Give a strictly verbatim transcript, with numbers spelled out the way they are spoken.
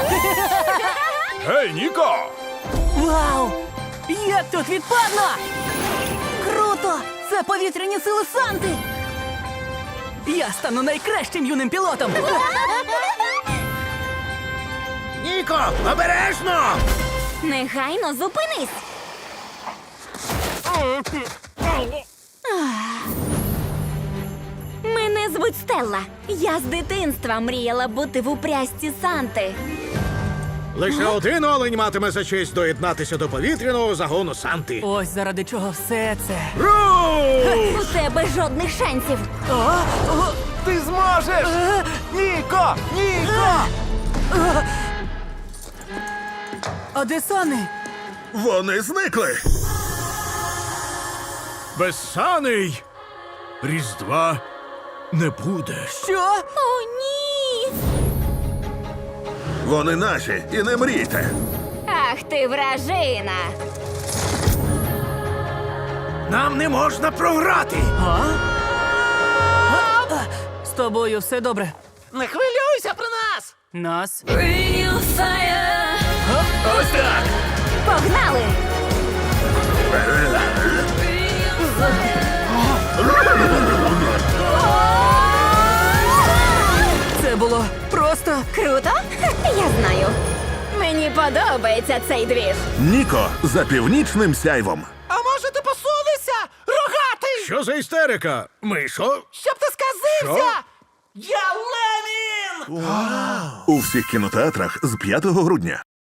Гей, Ніко! Вау! Як тут відпадно! Круто! Це повітряні сили Санти! Я стану найкращим юним пілотом! Ніко, обережно! Негайно зупинись! Мене звуть Стелла. Я з дитинства мріяла бути в упрясті Санти. Лише один олень матиме за честь доєднатися до повітряного загону Санти. Ось заради чого все це. Руш! У тебе жодних шансів. Ти зможеш! Ніко! Ніко! А де Сани? Вони зникли. Без саней Різдва не буде. Що? О, ні! Вони наші, і не мрійте. Ах ти вражина! Нам не можна програти. З тобою все добре. Не хвилюйся про нас! Нас? Ось так! Погнали! Це було просто. Круто? Я знаю. Мені подобається цей двіж. Ніко за північним сяйвом. А може ти посунешся? Рогатий! Що за істерика? Мишо? Щоб ти сказився! Я Ленін! У всіх кінотеатрах з п'ятого грудня.